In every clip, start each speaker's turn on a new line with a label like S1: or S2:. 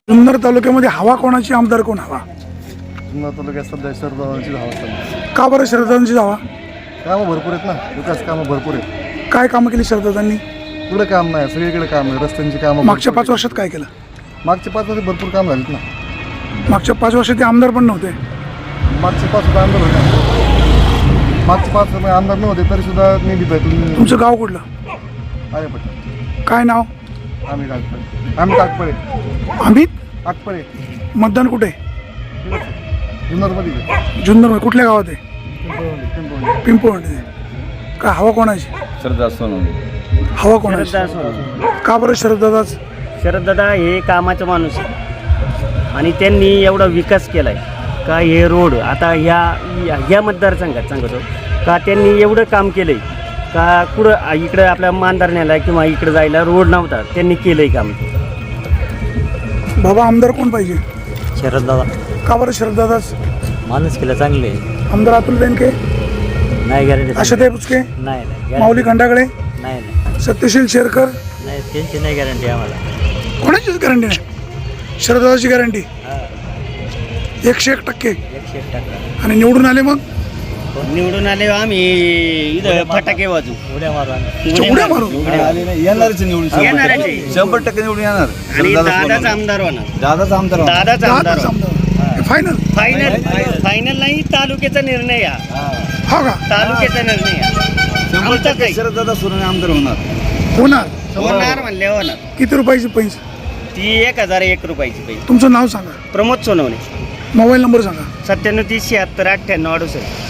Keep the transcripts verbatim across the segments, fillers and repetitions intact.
S1: जुन्नर तालुक्यामध्ये हवा कोणाची, आमदार कोण हवा?
S2: जुन्नर तालुक्यात सध्या शरदादांची हवा चालली.
S1: का बरं शरदादांची हवा?
S2: कामं भरपूर आहेत ना, विकास कामं भरपूर आहेत.
S1: काय कामं केली शरदादांनी?
S2: कुठं काम नाही, सगळीकडे काम आहे. रस्त्यांची कामं
S1: मागच्या पाच वर्षात काय केलं?
S2: मागच्या पाच वर्षात भरपूर काम झालीत ना.
S1: मागच्या पाच वर्षात ते आमदार पण नव्हते.
S2: मागचे पाच सुद्धा आमदार होते. मागचे पाच रुपये आमदार नव्हते तरी सुद्धा निधी भेटून.
S1: तुमचं गाव कुठलं?
S2: अरे पटेल.
S1: काय नाव?
S2: आम्ही कागपळे. आम्ही कागपळे.
S1: अमित
S2: कागपळे.
S1: मतदान कुठे?
S2: जुन्नरमध्ये.
S1: जुन्नर कुठल्या गावात आहे?
S2: पिंपळवंडी.
S1: पिंपळवंडी. का हवा कोणाची?
S3: शरद सोनवणे.
S1: हवा कोणाची? का बरं शरददादाच?
S4: शरददादा हे कामाचा माणूस आहे आणि त्यांनी एवढा विकास केला आहे का हे रोड आता ह्या ह्या मतदारसंघात सांगतो का त्यांनी एवढं काम केलं आहे का कुठं इकडं आपल्या मानधरण्याला किंवा इकडं जायला रोड नव्हता, त्यांनी केलं आहे काम.
S1: बाबा आमदार कोण पाहिजे?
S5: शरददादा.
S1: का बरं शरददादाच?
S5: माणूस केलं चांगले.
S1: आमदार अतुल बेनके,
S5: नाही गॅरंटी.
S1: आशाताई बुचके,
S5: नाही नाही
S1: माऊली खंडागळे,
S5: नाही नाही
S1: सत्यशील शेरकर,
S5: नाही त्यांची नाही गॅरंटी आम्हाला.
S1: कोणाचीच गॅरंटी नाही. शरददादाची गॅरंटी एकशे एक टक्के.
S5: एकशे एक टक्का.
S1: आणि निवडून आले मग
S4: निवडून आले आम्ही इथं फटाके वाजू,
S5: उड्या मारू आम्ही.
S1: उड्या मारू.
S3: येणारच निवडून
S4: येणारच.
S3: शंभर टक्के निवडून येणार.
S4: आणि दादाच आमदार होणार.
S3: दादाच आमदार होणार.
S4: दादाच आमदार होणार.
S1: फायनल.
S4: फायनल फायनल नाही, तालुक्याचा निर्णय या
S1: हा का?
S4: तालुक्याचा निर्णय या
S3: शंभर
S4: आमचा
S3: टक्के
S4: काही
S3: शरद सोनवणे आमदार होणार.
S1: होणार.
S4: होणार म्हणले होणार.
S1: किती रुपयाची पैसे?
S4: ती एक हजार एक रुपयाची पैसे.
S1: तुमचं नाव सांगा,
S4: प्रमोद सोनवणे,
S1: मोबाईल नंबर सांगा.
S4: सत्त्याण्णव तीस शहात्तर अठ्ठ्याण्णव अडुसष्ट.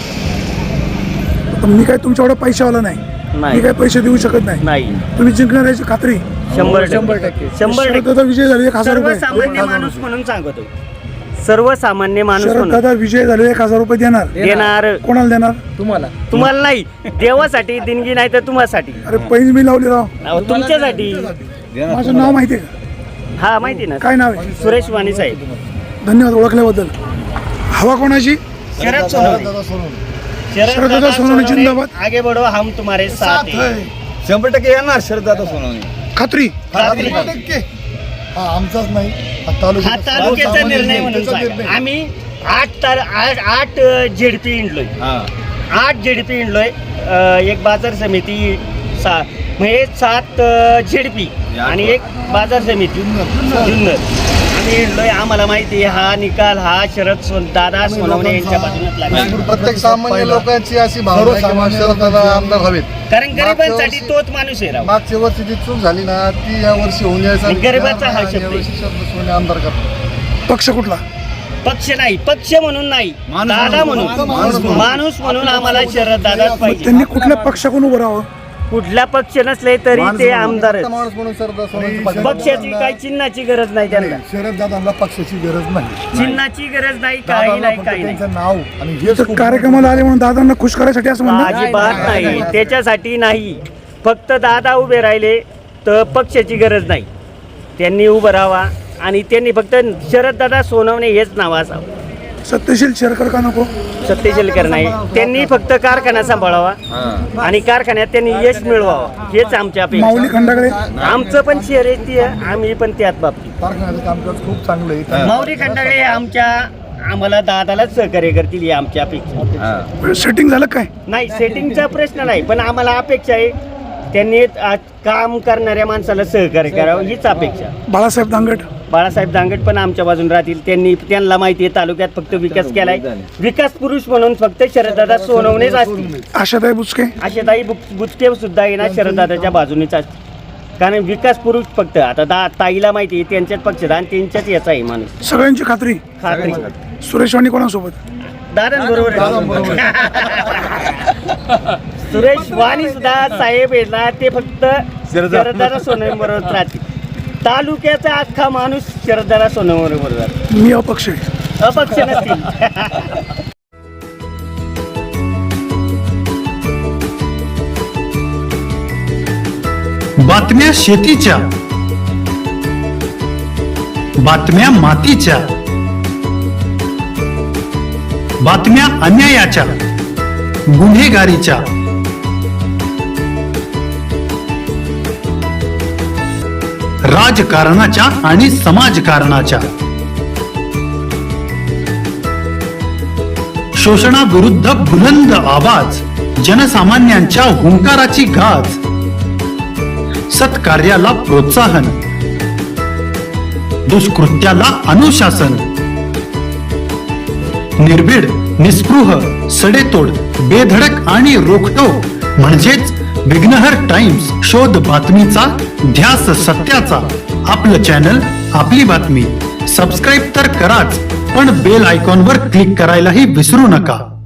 S1: तर मी काय तुमच्या एवढा पैशावाला नाही, मी
S4: नाही
S1: काय पैसे देऊ शकत नाही.
S4: नाही
S1: तुम्ही जिंकणार याची खात्री?
S4: शंभर शंभर टक्के शंभर टक्के
S1: शरददादा विजय झाले एक हजार रुपये.
S4: सर्वसामान्य माणूस म्हणून सांगतो, सर्वसामान्य माणूस म्हणून
S1: शरददादा विजय झाले एक हजार रुपये देणार.
S4: देणार.
S1: कोणाला देणार?
S4: तुम्हाला नाही, देवासाठी देणगी नाही तर तुम्हासाठी,
S1: अरे पैज मी लावली राव.
S4: अहो, तुमच्यासाठी.
S1: माझं नाव माहिती आहे का?
S4: हा माहिती ना.
S1: काय नाव आहे?
S4: सुरेश वाणी साहेब.
S1: धन्यवाद ओळखल्याबद्दल. हवा कोणाची?
S4: शरद सोनवणे.
S2: दादा सोनवणे.
S1: शरददादा सोनवणे जिंदाबाद.
S4: आगे बढो, हम तुम्हारे साथ हैं.
S3: शंभर टक्के येणार शरद सोनवणे.
S1: खात्री?
S4: खात्री.
S2: शंभर टक्के. हा आमचाच नाही, हा
S4: हा
S2: तालुक्याचा
S4: तालुक्याचा निर्णय म्हणून
S2: तालुक्याचा
S4: सांगा.
S2: निर्णय.
S4: आम्ही आठ तार आठ आठ झेडपी इंडलोय.
S3: हा
S4: आठ झेडपी इंडलोय. एक बाजार समिती सा म्हणजे सात झेडपी आणि एक बाजार समिती जुन्नर. आम्ही इंडलोय. आम्हाला माहिती आहे हा निकाल हा शरद सोन दादा सोनवणे यांच्या बाजूनच लागला.
S2: प्रत्येक सामान्य लोकांची अशी भावना आहे की मग शरददादा आमदार हवेत.
S4: कारण गरिबांसाठी तोच माणूस आहे राव.
S2: मागच्या वर्षी जी चूक झाली ना ती या वर्षी होऊन जायचं.
S4: आणि गरिबाचा हा शब्द आहे.
S2: यावर्षी शरद सोनवणे आमदार करतात.
S1: पक्ष कुठला?
S4: पक्ष नाही, पक्ष म्हणून नाही,
S3: माणूस
S4: दादा
S3: म्हणून.
S4: म्हणून.
S2: माणूस म्हणून.
S4: माणूस म्हणून आम्हाला शरद दादाच पाहिजे.
S1: त्यांनी कुठल्या पक्षाकडून उभं राहावं?
S4: कुठला पक्ष नसले तरी ते आमदार आहेत.
S2: माणूस म्हणून शरद सोनवणे पाहिजे.
S4: पक्षाची काही चिन्हाची गरज नाही त्यांना.
S2: शरद दादांना पक्षाची गरज नाही.
S4: चिन्हाची गरज नाही, काही
S2: दादांना
S4: नाही,
S2: फक्त
S4: काही नाही.
S2: त्यांचं नाव आणि हेच
S1: तर
S2: खूप
S1: कार्यक्रमाला आले म्हणून दादांना खुश करायसाठी असं म्हणणं?
S4: अजिबात नाही, त्याच्यासाठी नाही. फक्त दादा उभे राहिले तर पक्षाची गरज नाही. त्यांनी उभं राहावा आणि त्यांनी फक्त शरद दादा सोनवणे हेच नाव असावं.
S1: सत्यशील शेरकर का नको?
S4: सत्यशीलकर नाही, त्यांनी फक्त कारखाना सांभाळावा आणि कारखान्यात त्यांनी यश मिळवावं हेच आमच्या अपेक्षा.
S1: माऊली खंडागळे?
S4: आमचं पण शेअर आहे ती, आम्ही पण त्याच बाबतीत.
S2: कारखान्याचं कामकाज खूप चांगलं आहे.
S4: माऊली खंडागळे हे आमच्या आम्हाला दादालाच सहकार्य करतील ही आमची अपेक्षा.
S1: सेटिंग झालं काय?
S4: नाही, सेटिंगचा प्रश्न नाही, पण आम्हाला अपेक्षा आहे त्यांनी आ- काम करणाऱ्या माणसाला सहकार्य करावं हीच अपेक्षा.
S1: बाळासाहेब दांगट?
S4: बाळासाहेब दांगट पण आमच्या बाजून राहतील. त्यांनी त्यांना माहिती आहे तालुक्यात फक्त विकास केलाय. विकास पुरुष म्हणून फक्त शरददादा सोनवणेच असतील.
S1: आशाताई बुचके?
S4: आशाताई बुच बुचके सुद्धा येणार शरददादाच्या बाजूनेच असतील. कारण विकास पुरुष फक्त आता दा ताईला माहिती आहे त्यांच्याच पक्षात आणि त्यांच्याच याचा आहे माणूस.
S1: सगळ्यांची खात्री?
S4: खात्री.
S1: सुरेश वाणी कोणासोबत?
S4: दादांबरोबर सुरेश वाणी सुद्धा साहेब आहे ना ते फक्त शरददादा सोनवणे बरोबर राहतील. तालुक्याचा अख्खा माणूस शरददादा सोनवणे बरोबर राहतो.
S1: मी अपक्ष आहे.
S4: अपक्ष नसतील.
S6: बातम्या शेतीच्या, बातम्या मातीच्या, बातम्या अन्यायाच्या, गुन्हेगारीच्या, राजकारणाच्या आणि समाजकारणाच्या. शोषणाविरुद्ध बुलंद आवाज, जनसामान्यांच्या हुंकाराची गाज. सत्कार्याला प्रोत्साहन, दुष्कृत्याला अनुशासन. निर्भीड, निस्पृह, सडेतोड, बेधडक आणि रोखटोक म्हणजेच विघ्नहर टाइम्स. शोध बातमीचा, ध्यास सत्याचा. आपलं चॅनल, आपली बातमी. सबस्क्राईब तर कराच, पण बेल आयकॉनवर क्लिक करायलाही विसरू नका.